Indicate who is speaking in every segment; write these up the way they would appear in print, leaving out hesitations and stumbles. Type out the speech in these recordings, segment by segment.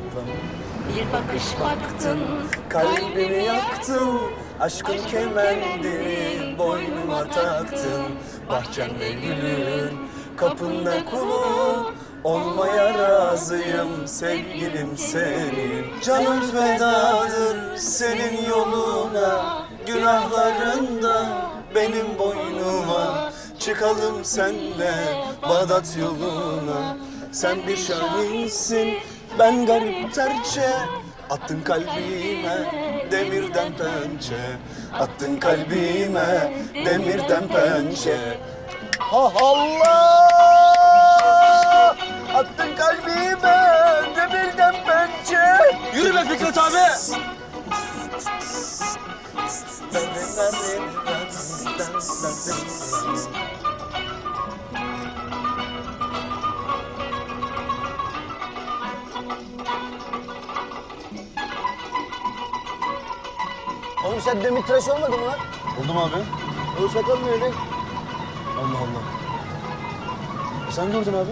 Speaker 1: Bir bakış baktın,
Speaker 2: Kalbimi yaktın, aşkın kemendini boynuma taktın. Bahçemde gülün, kapında kulun, olmaya razıyım sevgilim senin. Canım fedadır senin yoluna, günahlarında benim boynuma. Çıkalım senle Bağdat yoluna. Sen bir şahinsin, ben garip terçe. Attın kalbime demirden pençe. Attın kalbime demirden pençe. Ha Allah! Attın kalbime demirden pençe.
Speaker 3: Yürü be Fikret abi!
Speaker 2: Oğlum sen demir tıraş olmadın mı lan?
Speaker 3: Oldum abi.
Speaker 2: O sakal ne öyle?
Speaker 3: Allah Allah. Sen gördün abi.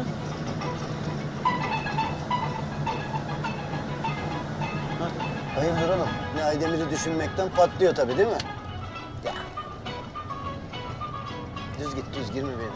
Speaker 2: Hayırdır oğlum? Ne Aydemir'i düşünmekten patlıyor tabii değil mi? Ya. Düz git, düz girme benim.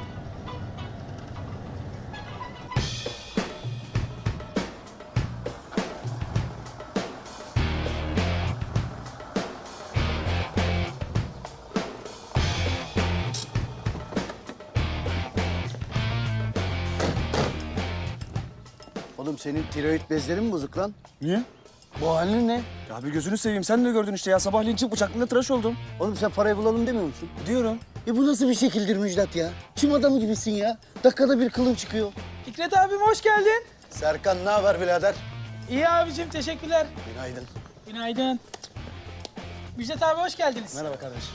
Speaker 2: Oğlum senin tiroid bezlerin mi bozuk lan?
Speaker 3: Niye?
Speaker 2: Bu halin ne?
Speaker 3: Ya bir gözünü seveyim. Sen de gördün işte ya. Sabahleyin çık bıçaklığında tıraş oldum.
Speaker 2: Oğlum sen parayı bulalım demiyor musun?
Speaker 3: Diyorum.
Speaker 2: Bu nasıl bir şekildir Müjdat ya? Çim adamı gibisin ya. Dakikada bir kılın çıkıyor.
Speaker 4: Fikret abim hoş geldin.
Speaker 2: Serkan ne haber birader?
Speaker 4: İyi abicim teşekkürler.
Speaker 2: Günaydın.
Speaker 4: Günaydın. Müjdat abi hoş geldiniz.
Speaker 3: Merhaba kardeşim.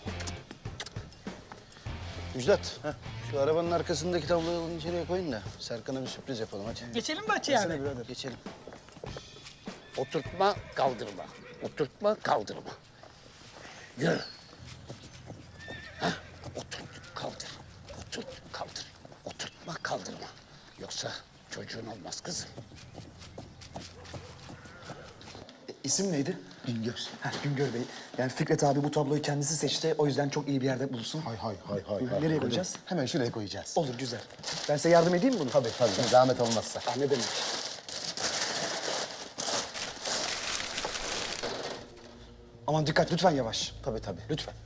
Speaker 2: Müjdat, şu arabanın arkasındaki tabloyu alın içeriye koyun da Serkan'a bir sürpriz yapalım hadi.
Speaker 4: Geçelim mi bahçeye abi?
Speaker 2: Birader. Geçelim.
Speaker 5: Oturtma, kaldırma. Oturtma, kaldırma. Yürü. Hah, oturt, kaldır. Oturt, kaldır. Oturtma, kaldırma. Yoksa çocuğun olmaz kızım.
Speaker 3: İsim neydi?
Speaker 5: Güngör.
Speaker 3: Güngör Bey. Yani Fikret abi bu tabloyu kendisi seçti. O yüzden çok iyi bir yerde bulsun.
Speaker 5: Hay.
Speaker 3: Nereye koyacağız?
Speaker 5: Hemen şuraya koyacağız.
Speaker 3: Olur, güzel. Ben size yardım edeyim mi bunu?
Speaker 5: Tabii. Zahmet olmazsa.
Speaker 3: Ne demek? Aman dikkat, lütfen yavaş.
Speaker 5: Tabii.
Speaker 3: Lütfen.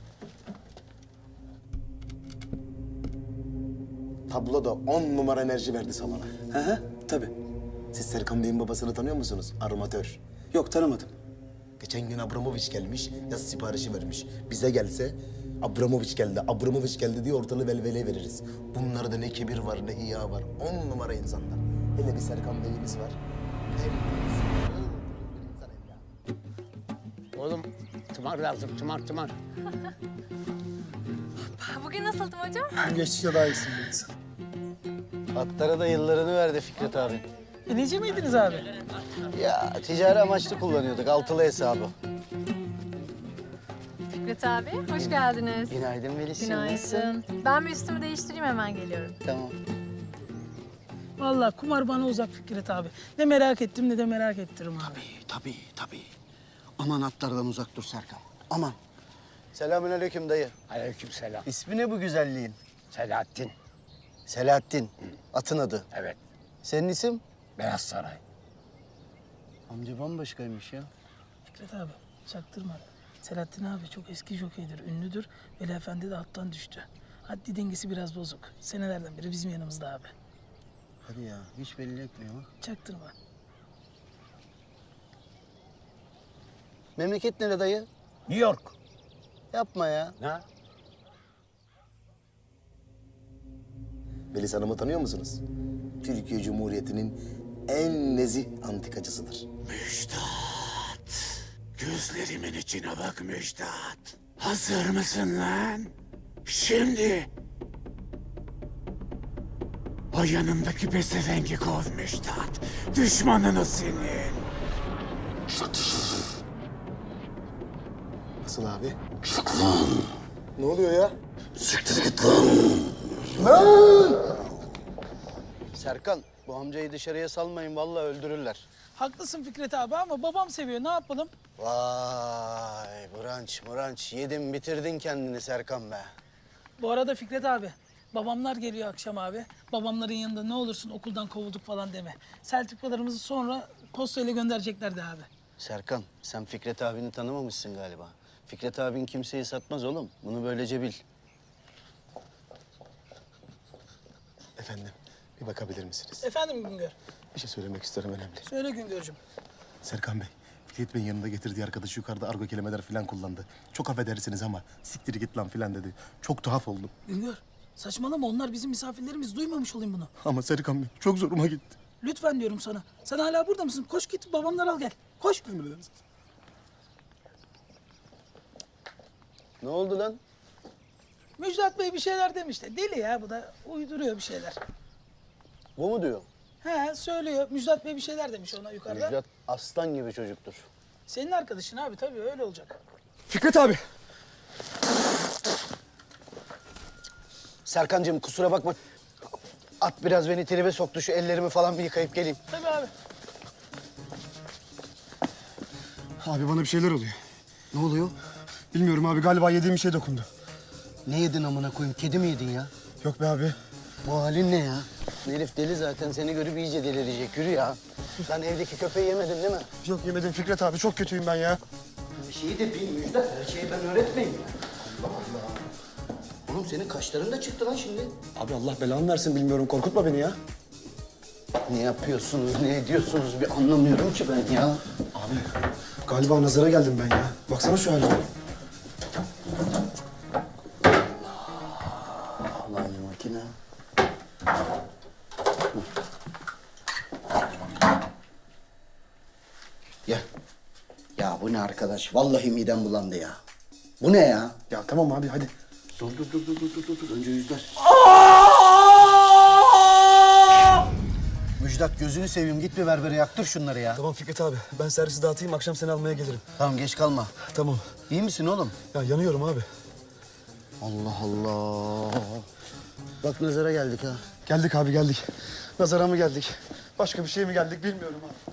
Speaker 6: Tablo da 10 numara enerji verdi salona.
Speaker 2: Hı, tabii.
Speaker 6: Siz Serkan Bey'in babasını tanıyor musunuz? Armatör.
Speaker 2: Yok tanımadım.
Speaker 6: Geçen gün Abramovic gelmiş, yaz siparişi vermiş. Bize gelse Abramovic geldi diye ortalığı velveleye veririz. Bunlarda ne kibir var ne hiya var. 10 numara insanlar. Hele bir Serkan Bey'imiz var.
Speaker 5: Oğlum, tımar lazım, tımar.
Speaker 7: Bugün nasıldım hocam?
Speaker 3: Geçtikçe daha iyisin.
Speaker 2: Atlara da yıllarını verdi Fikret abi.
Speaker 4: Neci miydiniz abi?
Speaker 2: Ya ticari amaçlı kullanıyorduk altılı hesabı.
Speaker 7: Fikret abi, hoş geldiniz.
Speaker 2: Günaydın Melis.
Speaker 7: Günaydın. Ben bir üstümü değiştireyim, hemen geliyorum.
Speaker 2: Tamam.
Speaker 4: Vallahi kumar bana uzak Fikret abi. Ne merak ettim ne de merak ettiririm abi.
Speaker 2: Tabii. Aman atlardan uzak dur Serkan. Aman. Selamünaleyküm dayı.
Speaker 5: Aleykümselam.
Speaker 2: İsmi ne bu güzelliğin?
Speaker 5: Selahattin.
Speaker 2: Selahattin. Atın adı.
Speaker 5: Evet,
Speaker 2: Senin isim?
Speaker 5: Beyaz Saray.
Speaker 2: Amca bambaşkaymış ya.
Speaker 4: Fikret abi çaktırma. Selahattin abi çok eski jokeydir, ünlüdür. Veli Efendi de attan düştü. Haddi dengesi biraz bozuk. Senelerden beri bizim yanımızda abi.
Speaker 2: Hadi ya hiç belli etmiyor bak.
Speaker 4: Çaktırma.
Speaker 2: Memleket nere dayı?
Speaker 5: New York.
Speaker 2: Yapma ya.
Speaker 5: Ne?
Speaker 6: Melis Hanım'ı tanıyor musunuz? Türkiye Cumhuriyeti'nin en nezih antikacısıdır.
Speaker 5: Müjdat. Gözlerimin içine bak Müjdat. Hazır mısın lan? Şimdi. O yanındaki pezevengi kov Müjdat. Düşmanın o senin.
Speaker 6: Nasıl abi? Ne oluyor ya?
Speaker 2: Serkan bu amcayı dışarıya salmayın vallahi öldürürler.
Speaker 4: Haklısın Fikret abi ama babam seviyor. Ne yapalım?
Speaker 2: Vay branç yedin bitirdin kendini Serkan be.
Speaker 4: Bu arada Fikret abi, babamlar geliyor akşam abi. Babamların yanında ne olursun okuldan kovulduk falan deme. Sertifikalarımızı sonra postayla göndereceklerdi abi.
Speaker 2: Serkan sen Fikret abini tanımamışsın galiba. Fikret abin kimseyi satmaz oğlum. Bunu böylece bil.
Speaker 6: Efendim, bir bakabilir misiniz?
Speaker 4: Efendim Güngör?
Speaker 6: Bir şey söylemek istiyorum önemli.
Speaker 4: Söyle Güngör'cüm.
Speaker 6: Serkan Bey, Fikret Bey'in yanında getirdiği arkadaşı yukarıda argo kelimeler falan kullandı. Çok affedersiniz ama siktir git lan falan dedi. Çok tuhaf oldum.
Speaker 4: Güngör, saçmalama onlar bizim misafirlerimiz. Duymamış olayım bunu.
Speaker 6: Ama Serkan Bey çok zoruma gitti.
Speaker 4: Lütfen diyorum sana. Sen hala burada mısın? Koş git babamları al gel. Koş.
Speaker 6: Emredersiniz.
Speaker 2: Ne oldu lan?
Speaker 4: Müjdat Bey bir şeyler demişti. Deli ya bu da uyduruyor bir şeyler.
Speaker 2: Bu mu diyor?
Speaker 4: He söylüyor. Müjdat Bey bir şeyler demiş ona yukarıda.
Speaker 2: Müjdat aslan gibi çocuktur.
Speaker 4: Senin arkadaşın abi tabii öyle olacak.
Speaker 3: Fikret abi.
Speaker 2: Serkancığım kusura bakma. At biraz beni tribe soktu. Şu ellerimi falan bir yıkayıp geleyim.
Speaker 4: Tabii abi.
Speaker 3: Abi bana bir şeyler oluyor.
Speaker 2: Ne oluyor?
Speaker 3: Bilmiyorum abi galiba yediğim bir şey dokundu.
Speaker 2: Ne yedin amına koyayım? Kedi mi yedin ya?
Speaker 3: Yok be abi.
Speaker 2: Bu halin ne ya? Bu herif deli zaten. Seni görüp iyice delirecek. Yürü ya. Sen evdeki köpeği yemedin değil mi?
Speaker 3: Yok yemedim Fikret abi çok kötüyüm ben ya.
Speaker 2: Bir şeyi de bil Müjdat. Her şeyi ben öğretmeyeyim ya. Allah Allah. Oğlum senin kaşların da çıktı lan şimdi.
Speaker 3: Abi Allah belanı versin bilmiyorum korkutma beni ya.
Speaker 2: Ne yapıyorsunuz, ne ediyorsunuz bir anlamıyorum ki ben ya.
Speaker 3: Abi galiba nazara geldim ben ya. Baksana şu halime.
Speaker 2: Allah'ın makine. Ya. Ya bu ne arkadaş? Vallahi midem bulandı ya. Bu ne ya?
Speaker 3: Ya tamam abi hadi.
Speaker 2: Dur. Önce yüzler. Müjdat gözünü seveyim. Git bir berbere yaktır şunları ya.
Speaker 3: Tamam Fikret abi ben servisi dağıtayım akşam seni almaya gelirim.
Speaker 2: Tamam geç kalma.
Speaker 3: Tamam.
Speaker 2: İyi misin oğlum?
Speaker 3: Ya yanıyorum abi.
Speaker 2: Allah Allah. Bak nazara geldik ha.
Speaker 3: Geldik abi geldik. Nazara mı geldik? Başka bir şey mi geldik bilmiyorum abi.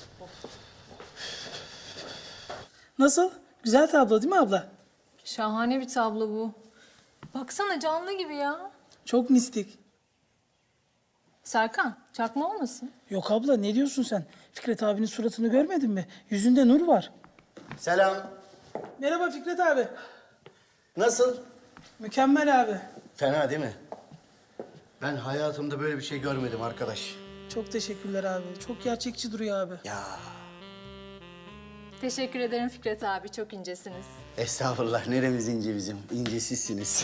Speaker 4: Nasıl? Güzel tablo değil mi abla?
Speaker 7: Şahane bir tablo bu. Baksana canlı gibi ya.
Speaker 4: Çok mistik.
Speaker 7: Serkan, çakma olmasın?
Speaker 4: Yok abla ne diyorsun sen? Fikret abinin suratını görmedin mi? Yüzünde nur var.
Speaker 2: Selam.
Speaker 4: Merhaba Fikret abi.
Speaker 2: Nasıl?
Speaker 4: Mükemmel abi.
Speaker 2: Fena değil mi? Ben hayatımda böyle bir şey görmedim arkadaş.
Speaker 4: Çok teşekkürler abi. Çok gerçekçi duruyor abi.
Speaker 2: Ya
Speaker 7: Teşekkür ederim Fikret abi, çok incesiniz.
Speaker 2: estağfurullah. Neremiz ince bizim? İnce sizsiniz.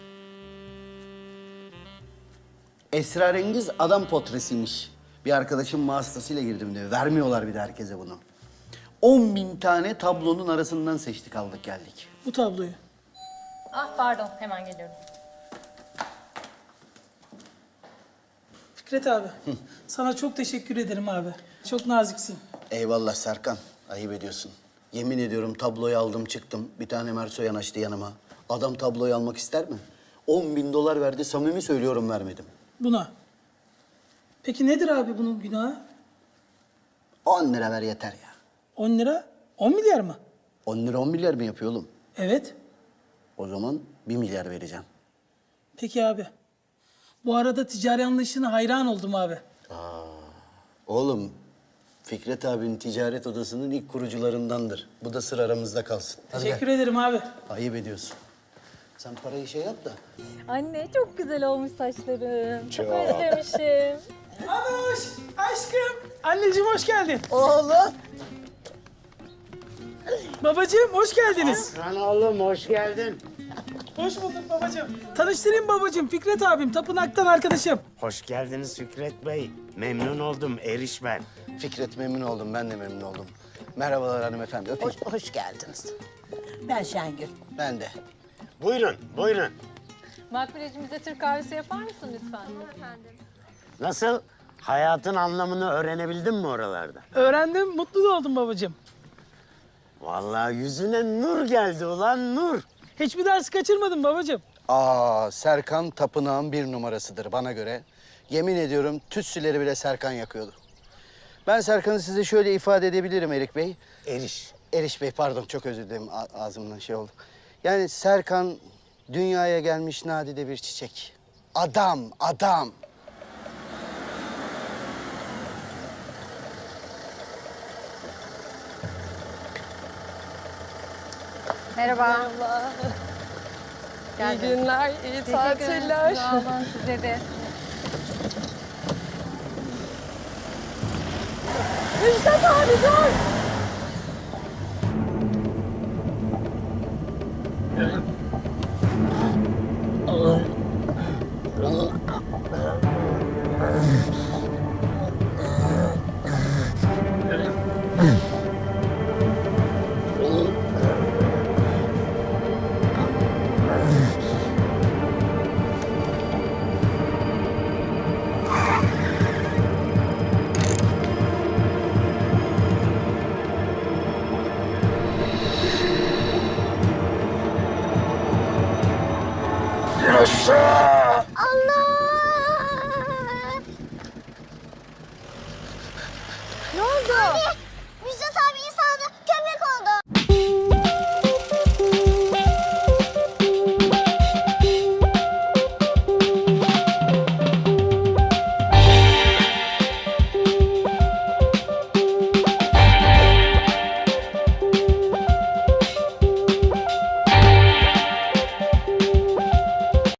Speaker 2: Esrarengiz adam portresiymiş. Bir arkadaşım vasıtasıyla girdim diyor. Vermiyorlar bir de herkese bunu. 10.000 tane tablonun arasından seçtik aldık geldik.
Speaker 4: Bu tabloyu.
Speaker 7: Ah pardon, hemen geliyorum.
Speaker 4: Fikret abi. Sana çok teşekkür ederim abi. Çok naziksin.
Speaker 2: Eyvallah Serkan. Ayıp ediyorsun. Yemin ediyorum tabloyu aldım çıktım. Bir tane Merso yanaştı yanıma. Adam tabloyu almak ister mi? 10.000 dolar verdi. Samimi söylüyorum vermedim.
Speaker 4: Buna. Peki nedir abi bunun günahı?
Speaker 2: 10 lira ver yeter ya.
Speaker 4: 10 lira? 10 milyar mı?
Speaker 2: 10 lira 10 milyar mı yapıyor oğlum?
Speaker 4: Evet.
Speaker 2: O zaman 1 milyar vereceğim.
Speaker 4: Peki abi. Bu arada ticari anlayışına hayran oldum abi.
Speaker 2: Oğlum Fikret abinin ticaret odasının ilk kurucularındandır. Bu da sır aramızda kalsın. Hadi
Speaker 4: Teşekkür
Speaker 2: gel.
Speaker 4: ederim abi.
Speaker 2: Ayıp ediyorsun. Sen parayı şey yap da.
Speaker 7: Anne çok güzel olmuş saçların. Çok özlemişim.
Speaker 4: Anuş, aşkım. Anneciğim hoş geldin.
Speaker 2: Oğlum.
Speaker 4: Babacığım hoş geldiniz.
Speaker 1: Lan oğlum hoş geldin.
Speaker 4: Hoş bulduk babacığım. Tanıştırayım babacığım. Fikret abim, tapınaktan arkadaşım.
Speaker 1: Hoş geldiniz Fikret Bey. Memnun oldum Eriş ben.
Speaker 2: Fikret memnun oldum. Ben de memnun oldum. Merhabalar hanımefendi. Öpeyim.
Speaker 8: Hoş geldiniz. Ben Şengül.
Speaker 2: Ben de.
Speaker 1: Buyurun, buyurun.
Speaker 7: Makbulecimize Türk kahvesi yapar mısın lütfen? Efendim.
Speaker 1: Nasıl? Hayatın anlamını öğrenebildin mi oralarda?
Speaker 4: Öğrendim, mutlu da oldum babacığım.
Speaker 1: Vallahi yüzüne nur geldi ulan nur.
Speaker 4: Hiçbir ders kaçırmadım babacığım.
Speaker 2: Serkan tapınağın 1 numarasıdır bana göre. Yemin ediyorum tütsüleri bile Serkan yakıyordu. Ben Serkan'ı size şöyle ifade edebilirim Erik Bey.
Speaker 6: Eriş.
Speaker 2: Eriş Bey pardon çok özür dilerim ağzımdan şey oldu. Yani Serkan dünyaya gelmiş nadide bir çiçek. Adam, adam.
Speaker 7: Merhaba.
Speaker 9: İyi günler, iyi tatiller.
Speaker 7: Sağ olun size de.
Speaker 9: Müjdat abi dur.
Speaker 5: Yaşa!